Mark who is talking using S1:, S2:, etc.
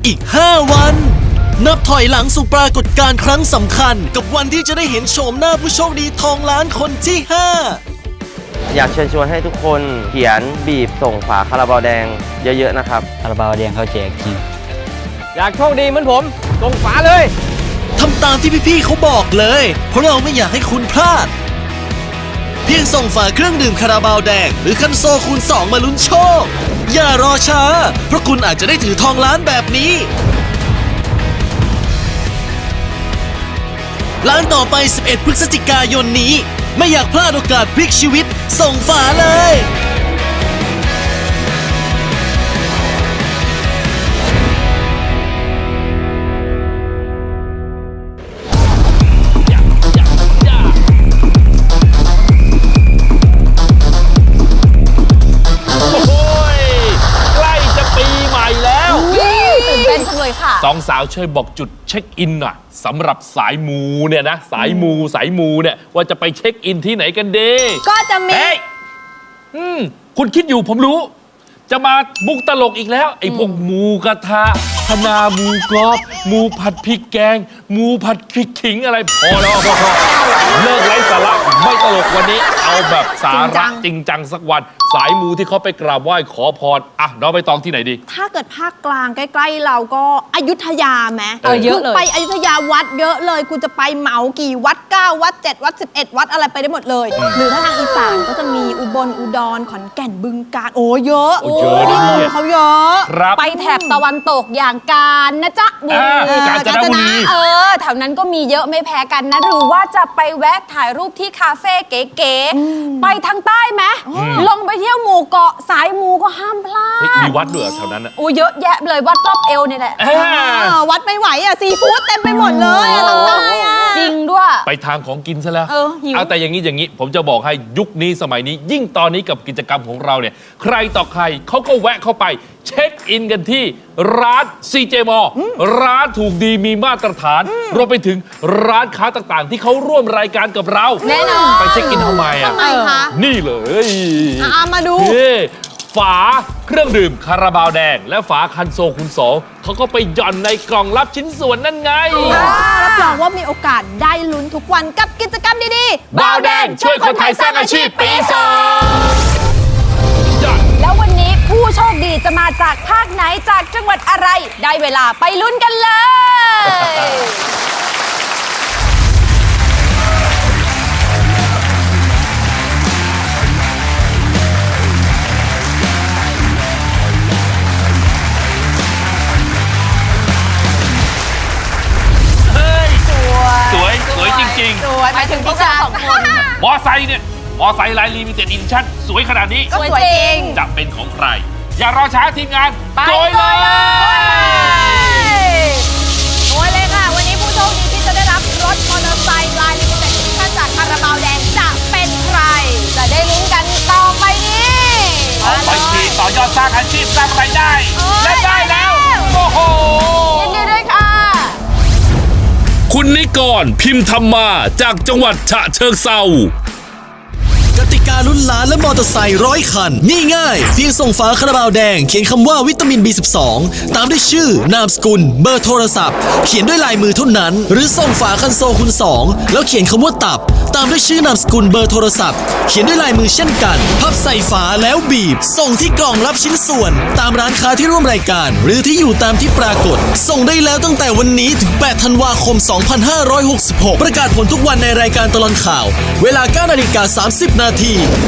S1: อีก 5 วัน นับถอยหลังสู่ปรากฏการณ์ครั้งสำคัญกับวันที่จะได้เห็นโฉมหน้าผู้โชคดีทองล้านคนที่ 5
S2: อยากเชิญชวนให้ทุกคนเขียนบีบส่งฝาคาราบาวแดงเยอะๆนะครับ
S3: คาราบาวแดงเขาแจกจริง
S4: อยากโชคดีเหมือนผมส่งฝาเลย
S1: ทำตามที่พี่ๆเขาบอกเลย เพราะเราไม่อยากให้คุณพลาด เพียงส่งฝาเครื่องดื่มคาราบาวแดงหรือคันโซคูณ 2 มาลุ้นโชค อย่ารอช้า เพราะคุณอาจจะได้ถือทองล้านแบบนี้ ล้านต่อไป 11 พฤศจิกายนนี้ ไม่อยากพลาดโอกาสพลิกชีวิต ส่งฝาเลย
S5: โอ้ยใกล้จะปีใหม่แล้ว
S6: ตื่นเต้นจังเลยค่ะ
S5: สองสาวช่วยบอกจุดเช็คอินหน่อยสำหรับสายมูเนี่ยนะสายมูเนี่ยว่าจะไปเช็คอินที่ไหนกันดี
S6: ก็จะมี
S5: เฮ้ยคุณคิดอยู่ผมรู้ จะมามุกตลกอีกแล้ว ไอ้พวกหมูกระทะคณาหมูกรอบหมูผัดพริกแกงหมูผัดพริกขิงอะไรพอแล้วพอเลิกไร้สาระไม่ตลกวันนี้ เอาแบบสาระจริงจังสักวัน สายมูที่เขาไปกราบไหว้ขอพรอ่ะน้องไปตองที่ไหนดี
S6: ถ้าเกิดภาคกลางใกล้ๆเราก็อยุธยาไหม
S5: เยอะเลย
S6: ไปอยุธยาวัดเยอะเลยคุณจะไปเหมากี่วัด 9 วัด 7 วัด 11 วัดอะไรไปได้หมดเลย หรือถ้าทางอีสานก็จะมีอุบลอุดรขอนแก่นบึงกาฬโอ้เยอะ
S5: โอ้เยอะนะเนี่ย
S6: เขาเยอะ
S5: ครับ
S7: ไปแถบตะวันตกอย่างกาญนะจ๊ะบุรี
S5: กาญจนบุรี
S7: แถวนั้นก็มีเยอะไม่แพ้กันนะ หรือว่าจะไปแวะถ่ายรูปที่คาเฟ่เก๋ๆไปทางใต้ไหมลงไปเที่ยวหมู่เกาะสายมูก็ห้ามพลา
S5: เฮ้ย
S7: ด
S5: มีวัดด้วยเหรอแถวนั้นอะ
S7: โอ้เยอะแยะเลยวัดรอบเอวนี่แหละ
S6: วัดไม่ไหวอ่ะซีฟู้ดเต็มไปหมดเลยอะทางใต้อะ
S7: จริงด้วย
S5: ไปทางของกินซะแล้ว
S7: หิว
S5: เอาแต่อย่างนี้ผมจะบอกให้ยุคนี้สมัยนี้ยิ่งตอนนี้กับกิจกรรมของเราเนี่ยใครต่อใครเขาก็แวะเข้าไปเช็คอินกันที่ร้าน CJ m ร้านถูกดีมีมาตรฐานรวมไปถึงร้านค้าต่างๆ ที่เขาร่วมรายการกับเรา
S6: แน่นอน
S5: ไปเช็คอินทำไมอ่ะ
S6: ทำไมคะ
S5: นี่เลย
S6: มาดู
S5: นี่ฝาเครื่องดื่มคาราบาวแดง และฝาคันโซคูณ 2เขาก็ไปหย่อนในกล่องรับชิ้นส่วนนั่นไง
S6: รับรองว่ามีโอกาสได้ลุ้นทุกวันกับกิจกรรมดีๆ
S5: บาวแดงช่วยคนไทยสร้างอาชีพปี 2
S7: แล้ววันนี้ผู้โชคดีจะมาจากภาคไหนจากจังหวัดอะไร ได้เวลาไปลุ้นกันเลย
S5: เฮ้ยสวยจริง
S6: สวยหมายถึงพวกเราสองคน
S5: ๆ มอไซค์เนี่ย มอไซค์ไลน์ลิมิเต็ดอินชั่นสวยขนาดนี้
S6: ก็สวยจริง
S5: จะเป็นของใคร อย่ารอช้าทีมงาน
S7: ไป
S5: โกยเลย
S6: โอ้ยเลยค่ะ วันนี้ผู้โชคดีที่จะได้รับรถมอเตอร์ไซค์ลายลิมิเต็ดดิชั่นจากคาราบาวแดงจะเป็นใคร
S7: จะได้ลุ้นกันต่อไปนี้
S5: เอาไปขี่ต่อยอดสร้างอาชีพสร้างรายได้ และได้แล้ว โอ้โห
S7: ยินดีด้วยค่ะ
S5: คุณนิกรพิมพ์ธรรมาจากจังหวัดฉะเชิงเทราก
S1: ติกาลุ้นล้านและมอเตอร์ไซค์100 คันนี่ง่ายเพียงส่งฝาคาราบาวแดงเขียนคำว่าวิตามิน B12 ตามด้วยชื่อนามสกุลเบอร์โทรศัพท์เขียนด้วยลายมือเท่านั้นหรือส่งฝาคันโซคูณ 2แล้วเขียนคำว่าตับตามด้วยชื่อนามสกุลเบอร์โทรศัพท์เขียนด้วยลายมือเช่นกันพับใส่ฝาแล้วบีบส่งที่กล่องรับชิ้นส่วนตามร้านค้าที่ร่วมรายการหรือที่อยู่ตามที่ปรากฏส่งได้แล้วตั้งแต่วันนี้ถึง8 ธันวาคม 2566ประกาศผลทุกวันในรายการตลอดข่าวเวลา 9:30 นาที